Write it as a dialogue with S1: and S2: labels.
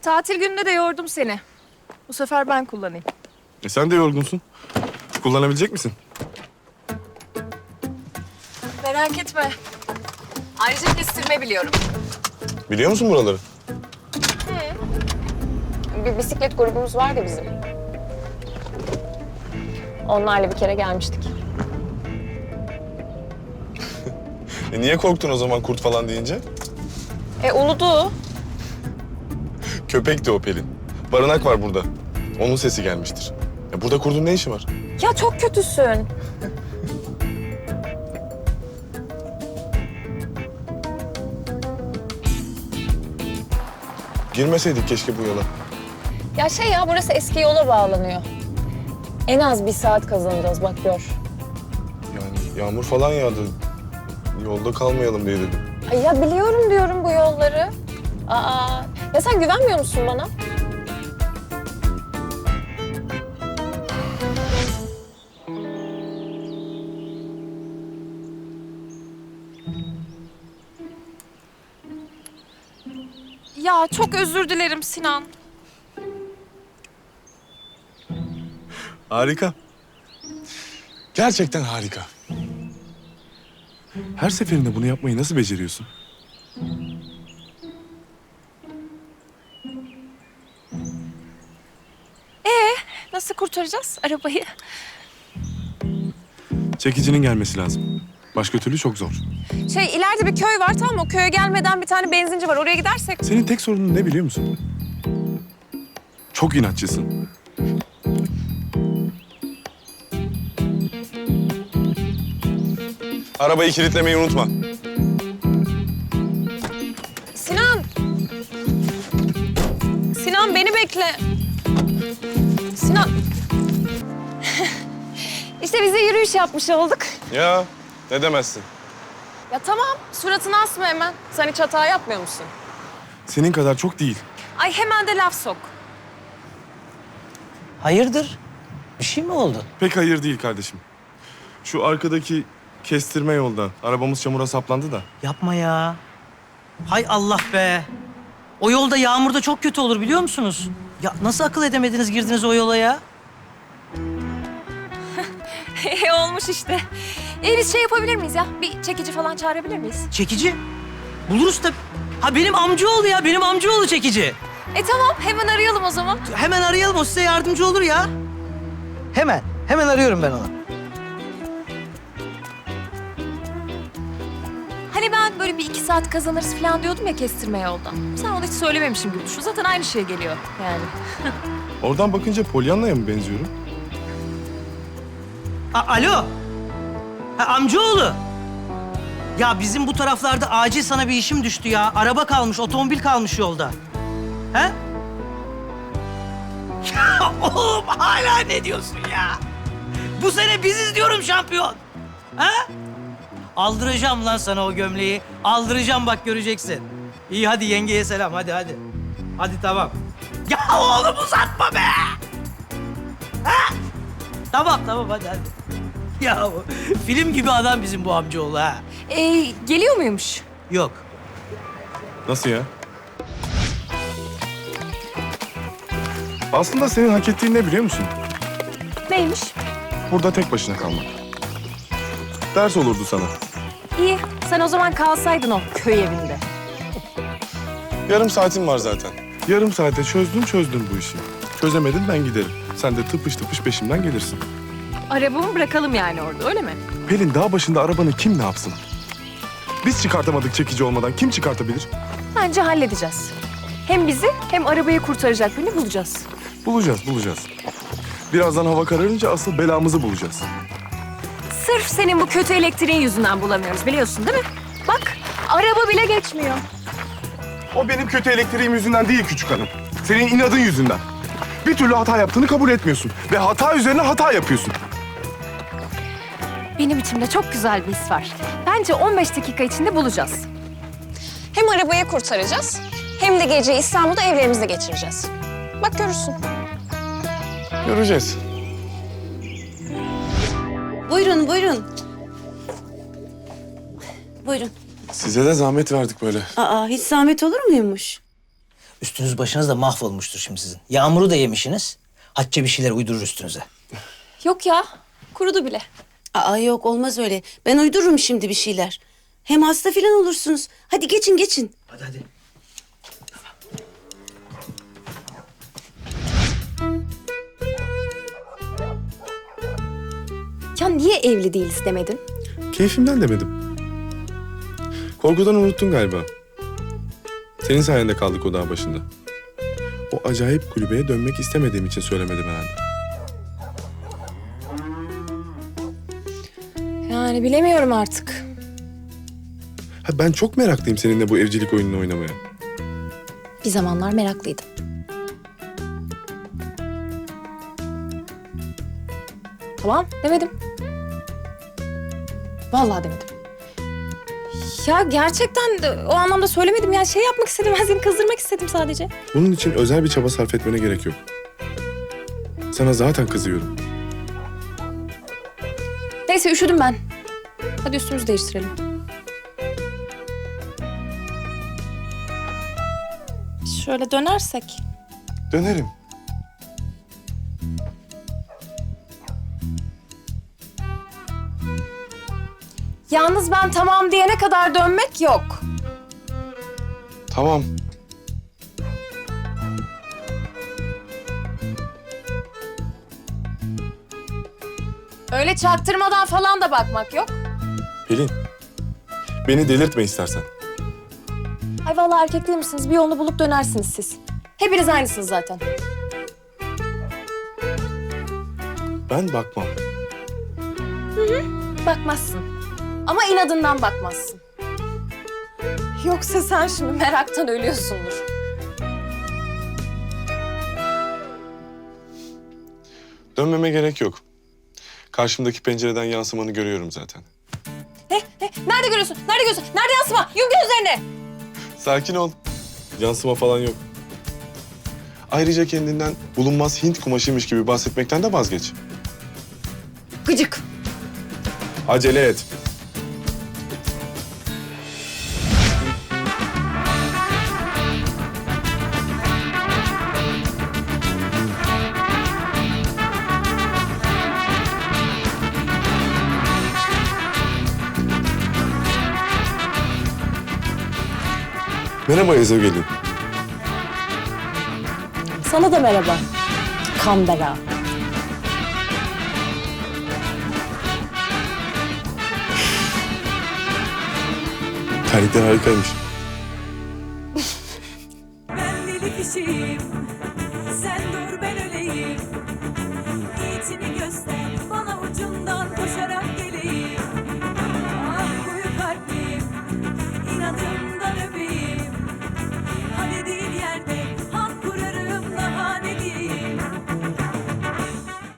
S1: Tatil gününde de yordum seni. Bu sefer ben kullanayım.
S2: Sen de yorgunsun. Kullanabilecek misin?
S1: Merak etme. Ayrıca kestirme biliyorum.
S2: Biliyor musun buraları?
S1: Bir bisiklet grubumuz var da bizim. Onlarla bir kere gelmiştik.
S2: Niye korktun o zaman kurt falan deyince?
S1: Uludu.
S2: Köpekti o Pelin. Barınak var burada. Onun sesi gelmiştir. Burada kurdun ne işi var?
S1: Ya çok kötüsün.
S2: Girmeseydik keşke bu yola.
S1: Ya burası eski yola bağlanıyor. En az 1 saat kazanacağız bak gör.
S2: Yani yağmur falan yağdı. Yolda kalmayalım diye dedim.
S1: Ay ya biliyorum diyorum bu yolları. Ya sen güvenmiyor musun bana? Ya çok özür dilerim Sinan.
S2: Harika. Gerçekten harika. Her seferinde bunu yapmayı nasıl beceriyorsun?
S1: Nasıl kurtaracağız arabayı?
S2: Çekicinin gelmesi lazım. Başka türlü çok zor.
S1: İleride bir köy var tamam mı? O köye gelmeden bir tane benzinci var. Oraya gidersek...
S2: Senin tek sorunun ne biliyor musun? Çok inatçısın. Arabayı kilitlemeyi unutma.
S1: Sinan! Sinan beni bekle. Sinan. İşte biz de yürüyüş yapmış olduk.
S2: Ya ne demezsin.
S1: Ya tamam, suratını asma hemen. Sen hiç hata yapmıyor musun?
S2: Senin kadar çok değil.
S1: Ay hemen de laf sok.
S3: Hayırdır? Bir şey mi oldu?
S2: Pek hayır değil kardeşim. Şu arkadaki kestirme yolda arabamız çamura saplandı da.
S3: Yapma ya. Hay Allah be. O yolda yağmurda çok kötü olur biliyor musunuz? Ya nasıl akıl edemediniz girdiniz o yola ya?
S1: Olmuş işte. Biz yapabilir miyiz ya? Bir çekici falan çağırabilir miyiz?
S3: Çekici. Buluruz da. Ha benim amcaoğlu ya. Benim amcaoğlu çekici.
S1: Tamam, hemen arayalım o zaman.
S3: Hemen arayalım o size yardımcı olur ya. Hemen arıyorum ben onu.
S1: Hani ben böyle bir 2 saat kazanırız falan diyordum ya kestirme yoldan. Sen onu hiç söylememişim gibi düşün. Zaten aynı şeye geliyor yani.
S2: Oradan bakınca Pollyanna'ya mı benziyorum?
S3: Alo. Ha, amcaoğlu. Ya bizim bu taraflarda acil sana bir işim düştü ya. Araba kalmış, otomobil kalmış yolda. He? Ya oğlum hala ne diyorsun ya? Bu sene biziz diyorum şampiyon. Ha? Aldıracağım lan sana o gömleği. Aldıracağım bak göreceksin. İyi hadi yengeye selam hadi. Hadi tamam. Ya oğlum uzatma be. Ha? Tamam hadi. Ya film gibi adam bizim bu amcaoğlu ha.
S1: Geliyor muymuş?
S3: Yok.
S2: Nasıl ya? Aslında senin hak ettiğin ne biliyor musun?
S1: Neymiş?
S2: Burada tek başına kalmak. Ders olurdu sana.
S1: İyi, sen o zaman kalsaydın o köy evinde.
S2: Yarım saatim var zaten. Yarım saate çözdüm bu işi. Çözemedin ben giderim. Sen de tıpış tıpış peşimden gelirsin.
S1: Arabamı bırakalım yani orada, öyle mi?
S2: Pelin dağ başında arabanı kim ne yapsın? Biz çıkartamadık çekici olmadan kim çıkartabilir?
S1: Bence halledeceğiz. Hem bizi hem arabayı kurtaracak birini bulacağız.
S2: Bulacağız. Birazdan hava kararınca asıl belamızı bulacağız.
S1: Sırf senin bu kötü elektriğin yüzünden bulamıyoruz biliyorsun değil mi? Bak, araba bile geçmiyor.
S2: O benim kötü elektriğim yüzünden değil küçük hanım. Senin inadın yüzünden. Bir türlü hata yaptığını kabul etmiyorsun. Ve hata üzerine hata yapıyorsun.
S1: Benim içimde çok güzel bir his var. Bence 15 dakika içinde bulacağız. Hem arabayı kurtaracağız, hem de geceyi İstanbul'da evlerimizde geçireceğiz. Bak görürsün.
S2: Göreceğiz.
S4: Buyurun. Buyurun.
S2: Size de zahmet verdik böyle.
S4: Hiç zahmet olur muymuş?
S3: Üstünüz başınız da mahvolmuştur şimdi sizin. Yağmuru da yemişsiniz. Hatice bir şeyler uydurur üstünüze.
S1: Yok ya, kurudu bile.
S4: Aa yok olmaz öyle. Ben uydururum şimdi bir şeyler. Hem hasta falan olursunuz. Hadi geçin geçin.
S3: Hadi hadi.
S1: Ya niye evli değiliz demedin?
S2: Keyfimden demedim. Korkudan unuttun galiba. Senin sayende kaldık o dağ başında. O acayip kulübeye dönmek istemediğim için söylemedim herhalde.
S1: Yani bilemiyorum artık.
S2: Ha, ben çok meraklıyım seninle bu evcilik oyununu oynamaya.
S1: Bir zamanlar meraklıydım. Tamam, demedim. Vallahi demedim. Ya gerçekten de o anlamda söylemedim ya. Şey yapmak istedim, ben seni kızdırmak istedim sadece.
S2: Bunun için özel bir çaba sarf etmene gerek yok. Sana zaten kızıyorum.
S1: Neyse üşüdüm ben. Hadi üstümüzü değiştirelim. Şöyle dönersek.
S2: Dönerim.
S1: Yalnız ben tamam diyene kadar dönmek yok.
S2: Tamam.
S1: Öyle çaktırmadan falan da bakmak yok.
S2: Pelin, beni delirtme istersen.
S1: Ay vallahi erkek değil misiniz? Bir yolunu bulup dönersiniz siz. Hepiniz aynısınız zaten.
S2: Ben bakmam.
S1: Bakmazsın. Ama inadından bakmazsın. Yoksa sen şimdi meraktan ölüyorsundur.
S2: Dönmeme gerek yok. Karşımdaki pencereden yansımanı görüyorum zaten.
S1: Nerede görüyorsun? Nerede görüyorsun? Nerede yansıma? Yum gözlerini.
S2: Sakin ol. Yansıma falan yok. Ayrıca kendinden bulunmaz Hint kumaşıymış gibi bahsetmekten de vazgeç.
S1: Gıcık.
S2: Acele et. Merhaba Ezogelin.
S1: Sana da merhaba. Kambera.
S2: Terlikler harikaymış.
S5: Ben deli kişiyim.